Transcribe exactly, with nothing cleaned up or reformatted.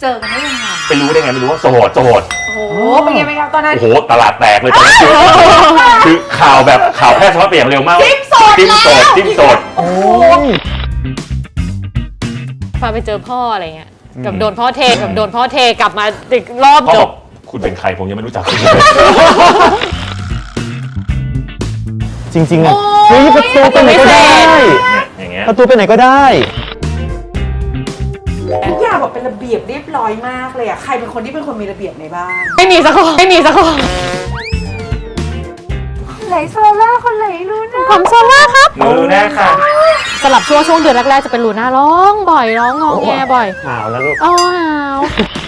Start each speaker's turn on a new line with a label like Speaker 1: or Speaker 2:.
Speaker 1: อกันได้ยังไง
Speaker 2: ไปรู้ได้ไงไม่รู้ว่าโสดโสด
Speaker 1: โอ้โหเป็นไงเป็นไงตอนนั้น
Speaker 2: โอ้โหตลาดแตกเลยตอนนั้นคือข่าวแบบข่าวแพร่สะพัดไปอย่างเร็วมาก
Speaker 1: จิ้มโสด
Speaker 2: จิ้มโสดจิ้มโสด
Speaker 1: โอ้โห
Speaker 3: พาไปเจอพ่ออะไรเงี้ยกับโดนพ่อเทกับโดนพ่อเทกลับมาอีกรอบจบ
Speaker 2: คุณเป็นใครผมยังไม่รู้จักคุณ
Speaker 4: จริงๆอ่ะเฮ้ยประตูไปไหนก็ได้
Speaker 2: อย่างเงี้ย
Speaker 4: ประตูไปไหนก็ได้
Speaker 1: ทุกอย่างแบบเป็นระเบียบเรียบร้อยมากเลยอ่ะใครเป็นคนที่เป็นคนมีระเบียบในบ้าน
Speaker 3: ไม่มีสักคนไม่มีสักคน
Speaker 1: ไหนโซล่าคนไหนรู้นะ
Speaker 3: ผมโซล่าครับ
Speaker 2: มือแน่ค่ะ
Speaker 3: สลับช่วงช่วงเดือนแรกๆจะเป็นลูน่าร้องบ่อยร้องงอแงบ่อย
Speaker 4: หาวแล้วลูก
Speaker 3: อ้าว